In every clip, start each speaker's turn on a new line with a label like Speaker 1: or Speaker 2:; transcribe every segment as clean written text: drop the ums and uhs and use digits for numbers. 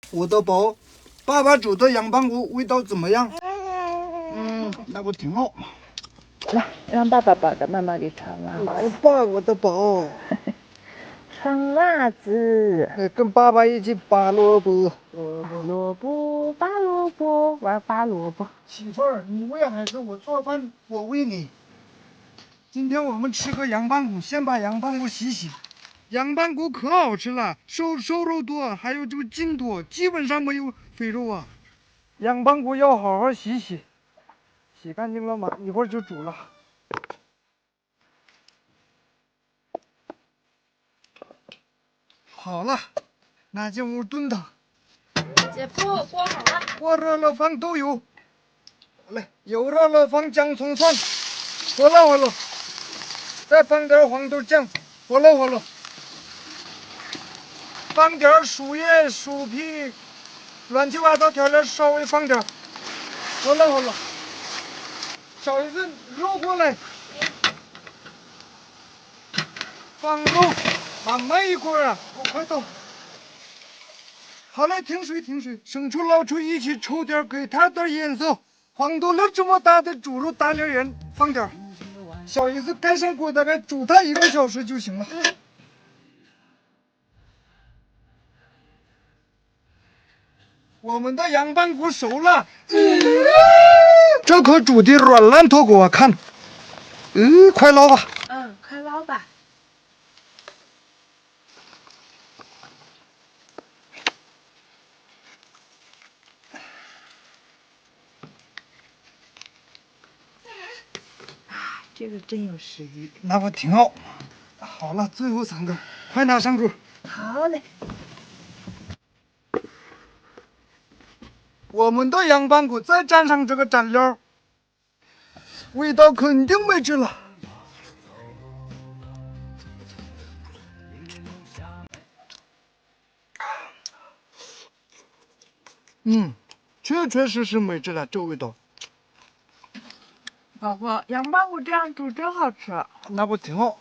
Speaker 1: 我的宝，爸爸煮的羊棒骨味道怎么样？那不挺好。
Speaker 2: 来，让爸爸把的妈妈给穿了。
Speaker 1: 来吧，我的宝。
Speaker 2: 穿袜子。
Speaker 1: 跟爸爸一起拔萝卜。
Speaker 2: 萝卜，拔萝卜，玩拔萝卜。
Speaker 1: 媳妇儿，你喂孩子，我做饭，我喂你。今天我们吃个羊棒骨，先把羊棒骨洗洗。羊棒骨可好吃了，瘦肉多，还有这个筋多，基本上没有肥肉啊。羊棒骨要好好洗洗，洗干净了嘛，一会儿就煮了。好了，那进屋炖汤。
Speaker 3: 姐夫，锅好了。
Speaker 1: 锅热了，放豆油。好嘞，油热了，放姜葱蒜，活络活络。再放点黄豆酱，活络活络。放点树叶、树皮，乱七八糟调料稍微放点，活络活络。找一个肉过来，放肉，慢慢一会儿啊，快到。好嘞，停水停水，生抽老抽一起抽点，给它点颜色。黄豆粒这么大的猪肉大粒盐放点，小姨子盖上锅，大概煮它1个小时就行了。我们的羊棒骨熟了，这可煮的软烂透给我看。快捞吧。
Speaker 3: 快捞吧。这个真有食欲。
Speaker 1: 那不挺好？好了，最后3个，快拿上桌。
Speaker 3: 好嘞。
Speaker 1: 我们的羊棒骨再蘸上这个蘸料，味道肯定没治了。确实是没治了，这味道。
Speaker 3: 宝宝，羊棒骨这样煮真好吃。
Speaker 1: 那不挺好？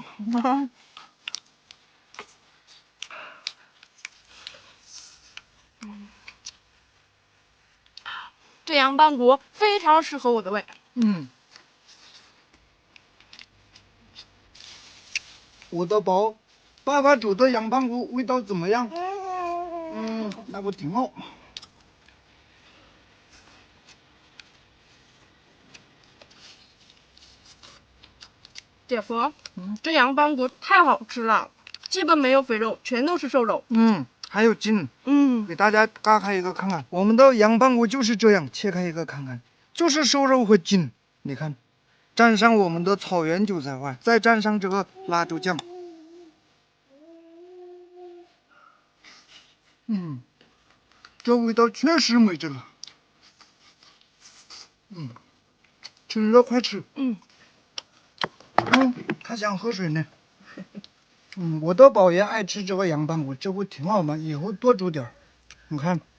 Speaker 3: 这羊棒骨非常适合我的胃。
Speaker 1: 我的宝，爸爸煮的羊棒骨味道怎么样？那不挺好？
Speaker 3: 姐夫，这羊棒骨太好吃了，基本没有肥肉，全都是瘦肉。
Speaker 1: 还有筋。给大家嘎开一个看看，我们的羊棒骨就是这样，切开一个看看，就是瘦肉和筋。你看，蘸上我们的草原韭菜花，再蘸上这个辣椒酱。这味道确实没治了。吃了快吃。他想喝水呢。我的宝爷爱吃这个羊棒骨，这不挺好吗？以后多煮点。你看。